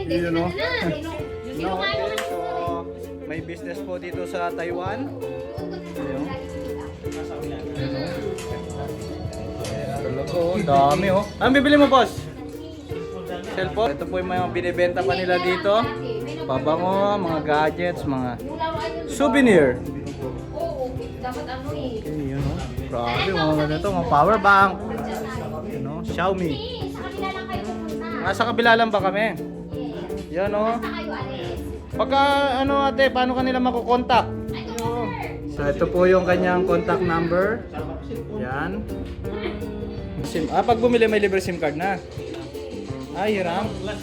You know? No, Okay, so may business po dito sa Taiwan. Ayun. Talaga oh, dami oh. Anong bibili mo, boss? Cellphone. Ito po yung mga binibenta pa nila dito. Pabango, mga gadgets, mga souvenir. Oo, dapat ano eh. Okay, yun oh. Grabe, mga ganito, mga power bank. You know, Xiaomi. Sa kanila lang kayo pupunta. Nasa kabila lang ba kami? Yan oh. Basta kayo alis. Pagka ano ate, paano kanila makukontak? So ito po yung kanyang contact number. Yan. Pag bumili may libre SIM card na. Ay, hiram. Ah?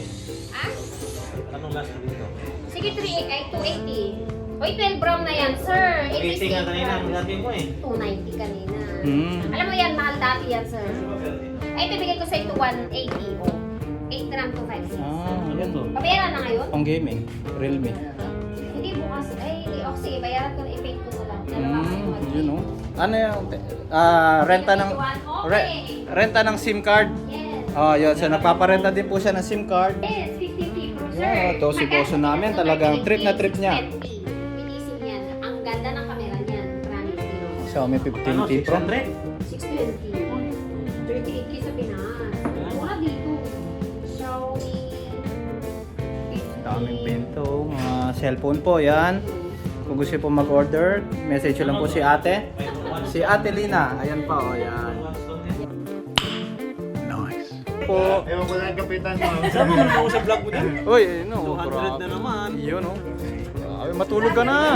Sige, 3 ay 280. Oy, 12 brown na yan, sir. 80 nga kanina, ang gabi ko eh. 290 kanina. Alam mo yan, mahal dati yan, sir. Ay, bibigay ko sa ito 180. Oh. 8 gram to 5. Ah, yan to. Pabayaran na ngayon? Pang gaming. Realme. Hindi bukas. Ay, hindi. Oh, sige, bayaran ko na i-pay ko na lang. Dalawa kayo Yun oh. Ano yung renta ng renta ng SIM card? Yes. Oh, yun. So nagpaparenta din po siya ng SIM card. Yes, 50 Pro, sir. Yeah, to si boso namin, talagang trip na trip niya. Minisim yan. Ang ganda ng camera niyan. Promise, you know. Xiaomi 15T Pro. 620. 38K sa Pinas. Mura dito. Xiaomi 50. Daming pinto, mga cellphone po, yan. Kung gusto po mag-order, message lang po si ate. Si Ate Lina, ayan pa, oh, yan. Nice. Po. Ewan ko lang kapitan mo. Sama mo naman sa vlog mo din. Uy, no, 200 na naman. Yun, no. Ay, matulog ka na.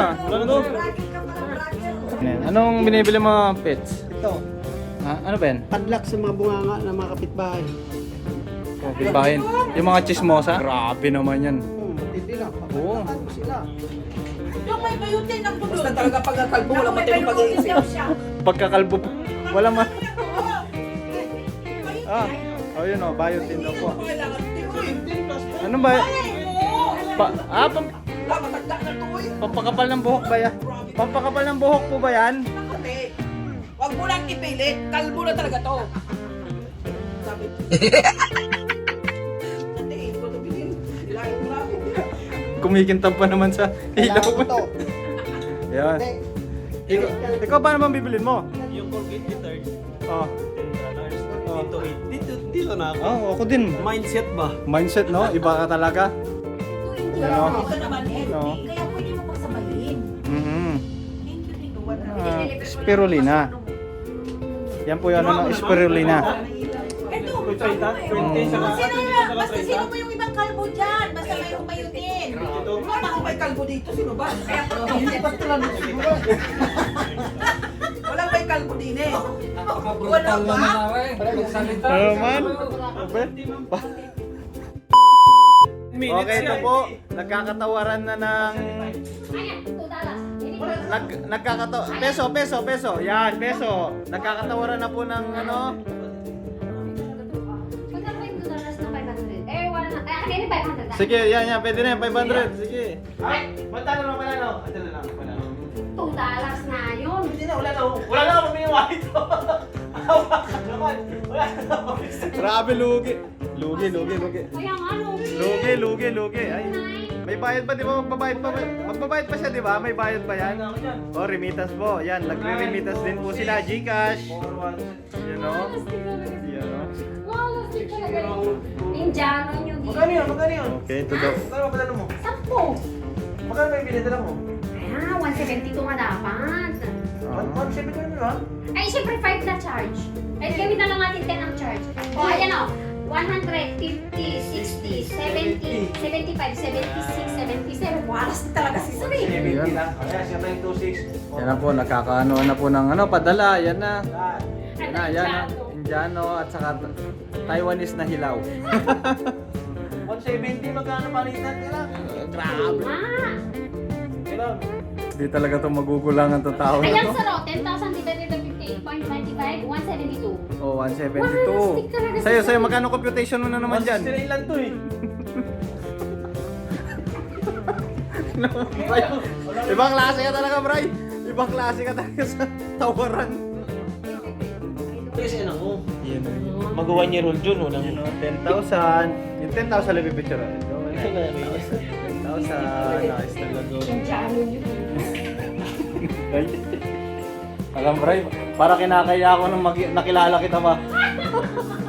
Anong binibili mo, pets? Ito, Ha? Ano ba yan? padlock sa mga bunganga ng mga kapitbahay. Bahin. Yung mga chismosa? Grabe naman yan. Hindi lang. Oo. Ano sila? Yung may bayutin ng dulo. Basta talaga pagkakalbo, wala matayong pag-iisip. Pagkakalbo po. Wala man. Ah, oh yun oh, biotin daw po. Ano ba? Pampakapal ng buhok ba yan? Pampakapal ng buhok po ba yan? Huwag mo lang ipilit. Kalbo na talaga to. Sabi. Hindi, ikaw na bilhin. Bilangin mo namin. Kumikintab pa naman sa ilaw. Kailangan ko to. Yan. Hindi. Ikaw ba naman bibilin mo? Yung Colgate Guitard, Oh. $10. Dito na ako. Oh, ako din. Mindset ba? Mindset, no? Iba ka talaga. Ano? Ito naman eh. No. Kaya pwede mo pagsabayin. Mhm. Thank you, tito. Wala. Spirulina. Yan po yung ano ng spirulina. Ito. Basta Sino ba yung ibang kalbo dyan? Basta may umayutin. Wala akong may kalbo dito. Sino ba? Kaya Hindi pa sila nagsiguro. walang may kalbo din eh. Wala ba? Ano man? Okay, ito po. Nagkakatawaran na ng... Ayan, $2. Peso. Yan, peso. Nagkakatawaran na po ng ano... Magkano ba yung $2 na 500? Eh, wala na. Eh, akin yung 500 na. Sige, yan. Pwede na yan. 500. Sige. Ay, magkano lang pala no? Ito na lang. $2 na yun. Hindi na, wala na. Wala na ako pamiliwa ito. Hawakan naman. Wala na. Grabe, lugi. Lugi. Kaya nga, Lugi. Ay, may bayad pa, di ba? Magbabayad pa siya, di ba? May bayad pa yan. Oh, remittance po. Yan, nagre-remittance din po sila. GCash. You know? You know? Malasig talaga yung Indiano nyo dito. Magkano yun? Okay, ito daw. Magkano ba dala mo? 10. Magkano ba yung binidala mo? Ah, 172 nga dapat. 170 ha? Ay, syempre 5 na charge. Ay, gawin na lang natin 10 ang charge. O, ayan o. 100, 50, 60, 70, 75, 76, 77. Walas na talaga si Sir. Yan. Kaya siya na yung 26. Yan na po, nakakaano na po ng ano, padala. Yan na. Yan na. Indiano. Indiano at saka Taiwanese na hilaw. 170 magkano palitan nila? Grabe. Ah, Kailan? Hindi talaga ito magugulangan itong tao na ayan to. sir o. 10,000 divided by 58.25, 172. Oh, Wala, stick talaga 172. sa Sa'yo, magkano computation mo na naman dyan? 169 lang to eh. Ibang klase ka talaga, Bray. Ibang klase ka talaga sa tawaran. Ito kasi anak ko. Yun o. Mag-1 year old yun, walang... Yun o, 10,000. Yung 10,000 lang yung picture. Ito, Ito na, may 10,000. Nice talaga. Indiano yun. Alam, Bray, para kinakaya ako nung nakilala kita ba?